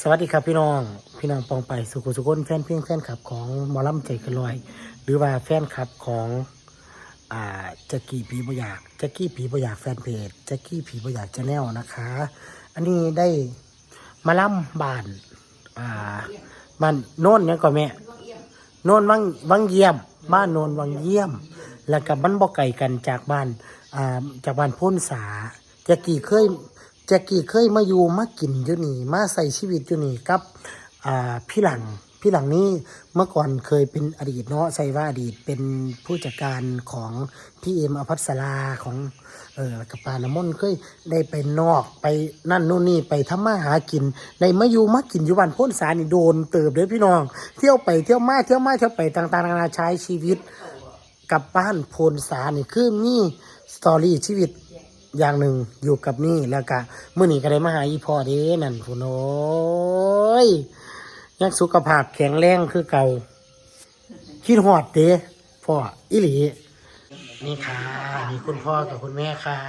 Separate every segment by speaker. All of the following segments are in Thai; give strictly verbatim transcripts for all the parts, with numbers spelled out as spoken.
Speaker 1: วัสดีครับพี่น้องพี่น้องปองไปสุขุสุขนแฟนเพียงแฟนคลับของหมอลำใจเกันลอยหรือว่าแฟนคลับของอ่าแจ็กกี้ผีบ่อยากแจ็กกี้ผีบ่อยากแฟนเพจแจ็กกี้ผีบ่อยากชาแนลนะคะอันนี้ได้มาล่ำบ้านอ่าบ้านโน่นเนี่ยก่อนแม่โน่นวังวังเยี่ยมบ้านโน่นวังเยี่ยมแล้วกับบ้านบ่อไก่กันจากบ้านอ่าจากบ้านพ้นสาแจ็กกี้เคยแจ็กกี้เคยมาอยู่มากินอยู่นี่มาใส่ชีวิตอยู่นี่กับอ่าพี่หลังพี่หลังนี้เมื่อก่อนเคยเป็นอดีตเนาะใส่ว่าอดีตเป็นผู้จัดการของพี่เอ็มอภัสราของเออกับปาน้ำมนต์เคยได้ไปนอกไปนั่นนู่นนี่ไปทำมาหากินได้มาอยู่มากินอยู่บ้านพ้นสานี่โดนเติบเลยพี่น้องเที่ยวไปเที่ยวมาเที่ยวมาเที่ยวไปต่างๆนานาใช้ชีวิตกับบ้านโพนสานี่คือมีสตอรี่ชีวิตอย่างหนึ่งอยู่กับนี่แล้วก็เมื่อนี้ก็ได้มาหาอีพ่อเด้นั่นผู้น้อยยังสุขภาพแข็งแรงคือเก่าคิดฮอดเด้พ่ออีหลีนี่ค่ะนี่คุณพ่อกับคุณแม่ค่ะ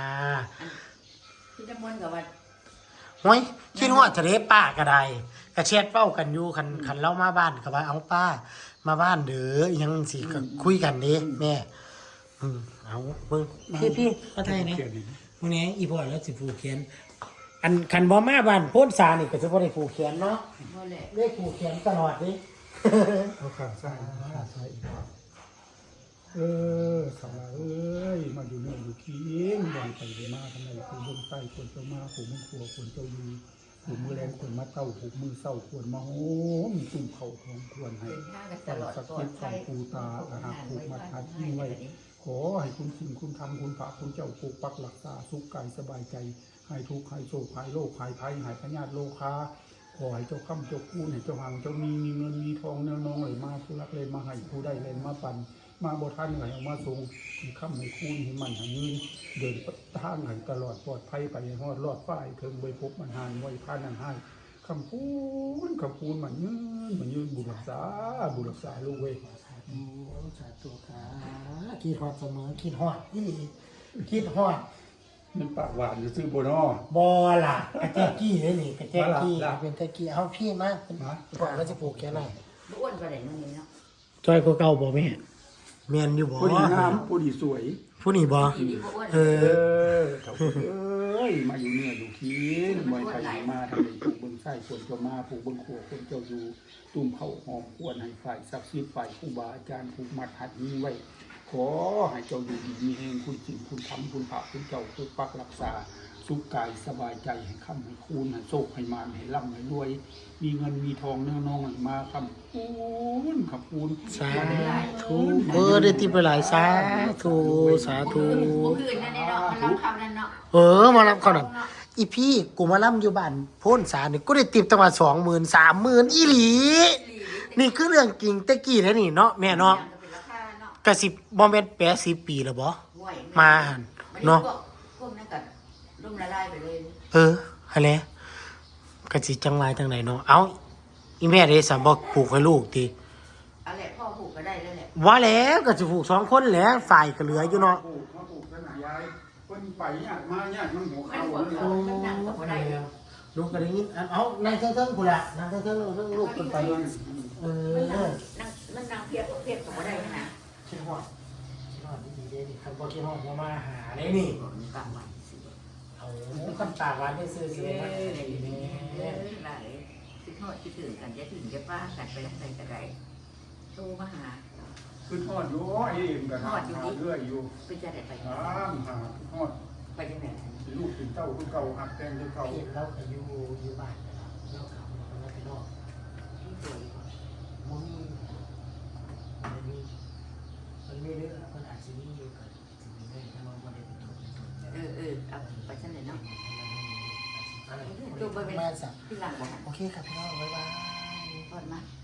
Speaker 2: พี่จะม้วนกับว่า
Speaker 1: ห้ยคิดฮอดทะเลป้าก็ได้กระเช็ดเป้ากันอยู่คันคันเล่ามาบ้านก็ว่าเอาป้ามาบ้านเด้อยังสิก็คุยกันเด้แม่อืมเอาเบิ่งพี่พี่มาไทยนี่มื้อนี้อีพ่อแล้วสิผูกแขนอันคันบ่มาบ้านโพนสานี่ก็สิบ่ได้ผูกแขนเนาะ
Speaker 2: โมเล
Speaker 1: ได้ผูกแขนตลอดดิ
Speaker 3: เอาข้างซ้ายข้างซ้ายอีกเออสาวเอ้ยมาอยู่เนี่ยอยู่ขี้เองบ่อนไปไปมาทำไมคนบนใต้คนเจ้ามาผูมือครัวคนเจ้าอยู่ผูมือแรงคนมาเต้าผูมือเศร้าควรมาโอ้มตุ่มเข่าทองควรให้
Speaker 2: เป็นหน้ากันต
Speaker 3: ใส่
Speaker 2: ลอด
Speaker 3: สัก
Speaker 2: ตัว
Speaker 3: คิดข
Speaker 2: ไท
Speaker 3: อง
Speaker 2: ย
Speaker 3: ปูตาอาหารผูกมาทัดยิ่งไว้ขอให้คุณสิ่งคุณทำคุณพระคุณเจ้าปกปักรักษาสุขกายสบายใจให้ทุกข์ให้โศกให้โรคให้ภัยให้พญาติโลคาขอให้เจ้าค่ำเจ้าคูนให้เจ้าหังเจ้ามีมีเงินมีทองแนวน้องไหลมาผู้รักเลยมาให้ผู้ได้เลยมาปั่นมาบ่ท่านไหลเอามาส่งให้ค่ำให้คูนให้มันให้เงินเดินทางให้ตลอดปลอดภัยไปให้ฮอดรอดฝ้ายถึงใบพบมันหานไว้พานันให้คำพูนคำพูนมันยืนมันยืนบุรักษาบุรักษาลูกเว้ย
Speaker 1: โอ้สาธุค่ะคิดฮอดเสมอคิดฮอดอีหลีคิดฮอด
Speaker 3: มันปากหวานอยู่ซื้อโบนอ
Speaker 1: บ่ล่ะกระแจกี้เลยนี่กระแจกี้
Speaker 3: มาล่ะ
Speaker 1: เป็นตะกี้เอาพี่มาเป็น
Speaker 3: มา
Speaker 1: พ่อแล้วสิผูกแขนให้
Speaker 2: อ้วนกว่าเด็กนั่นเองเนาะ
Speaker 1: จอยกว่าเก่าบ่แม่แม่นอยู่บ่
Speaker 3: ผู้ดีงามผู้ดีสวย
Speaker 1: ผู้นี้บ่
Speaker 2: ที่ดีอ้วน
Speaker 1: เอ
Speaker 3: เอ
Speaker 1: อ
Speaker 3: อเขาเอ้ยมาอยู่เนี่ยอยู่ขี้มวยไทยมาทำไมผูกเบิ้งไส้ควรเจ้ามาผูกเบิ้งขัวคนเจ้าอยู่ตุ่มเข่าหอมควรให้ฝ่ายศักดิ์สิทธิ์ฝ่ายครูบาอาจารย์ผูกมัดหัดนี้ไว้ขอให้เจ้าอยู่ดีมีแห่งคุณสิ่งคุณทำคุณพระคุณเจ้าปกปักรักษาสุขกายสบายใจให้ค่ำให้คูณให้โชคให้มานให้ร่ำให้รวย มีเงินมีทองเนื้อน้องให้มาคำคูณขับคูณ
Speaker 1: สาธุเออได้ติไปหลายสาธุสาธุ
Speaker 2: ผู้อื่นนั่นเนาะมันรับคำนั่นเนาะ
Speaker 1: เออมารับเขาหน่อยอีพี่กูมาล่ำอยู่บ้านโพ้นสานี่กูได้ติบตั้งมาสองหมื่นสามหมื่นอีหลี นี่คือเรื่องจริงตะกี้แล้วนี่เนาะแม่เนาะ
Speaker 2: เป็นราคาเนาะ
Speaker 1: กะสิบบอมเบนแปดสิบปีแล้วบ่
Speaker 2: ห่วย
Speaker 1: มาหั่นเนาะ
Speaker 2: พวกนั้นก็ร่มละลายไปเลย
Speaker 1: เอออะไรกะสิจังไรจังไหนเนาะเอ้าอีแม่ได้สัมบอกปลูกให้ลูกที
Speaker 2: อะไรพ่อผูกก็ได้แล้วแหละ
Speaker 1: ว่าแล้วก็สิปลูกสองคนแหละฝ่ายก็เหลืออยู่เนาะ
Speaker 3: ปลูกมาปลูกกันหายายคนไปเนี่ยมาเนี่ยมันหัว
Speaker 2: มัน
Speaker 3: เข่า
Speaker 2: หัว
Speaker 3: เลย
Speaker 2: เขามันนั่งก็บ่ได้
Speaker 1: ลูกก็ได้ยินอันเอานายเทิงๆกูละนายเทิงๆเทิงลูกขึ้นไปเอ
Speaker 2: มันนั่ง
Speaker 1: อ
Speaker 2: นั่งมันนั่งเพียบเพียบก็บ่ได้นะ
Speaker 1: คิดฮอดคิดฮอดดีๆเด้นี่คันบ่คิดฮอดอย่ามาหาเด้นี่
Speaker 2: กลางวันสิ
Speaker 1: เอาคำตาหวานได้ซื้อ
Speaker 2: เอ
Speaker 1: เสียมา
Speaker 2: อ
Speaker 1: ให้
Speaker 2: ดี
Speaker 1: ดี
Speaker 2: ๆ
Speaker 1: แม่
Speaker 2: หลายคิดทอดคิดถึงกันจะถึงจะป้ากันไปทางใดก็ได้โทรมาหา
Speaker 3: คือทอดอยู่ไอ้เอ็มกับทอดอยู่เรื่อยอยู่
Speaker 2: เป็นจะได้ไป
Speaker 3: ถามหาทอด
Speaker 2: ไปจังไหน
Speaker 3: ลูกถึงเต้าคือเก่าหักแตงคือเก่า
Speaker 1: เห็นเราก็อยู่อยู่บ้านนะครับเราขับเราไปนอก
Speaker 2: ที่สวย
Speaker 1: มันมีมันมีมันมีเรื่องมันอาจจะมีอยู่กับสิ่งนี้ถ้าเราไม่ได้เป็นตัวเป็นตน
Speaker 2: เออเออเอาไปชั้นไหนเนาะ
Speaker 1: ตัวไปเป็น
Speaker 2: ที่หลังบอก
Speaker 1: โอเคครับพี่น้องบ๊ายบาย
Speaker 2: ก่อนมา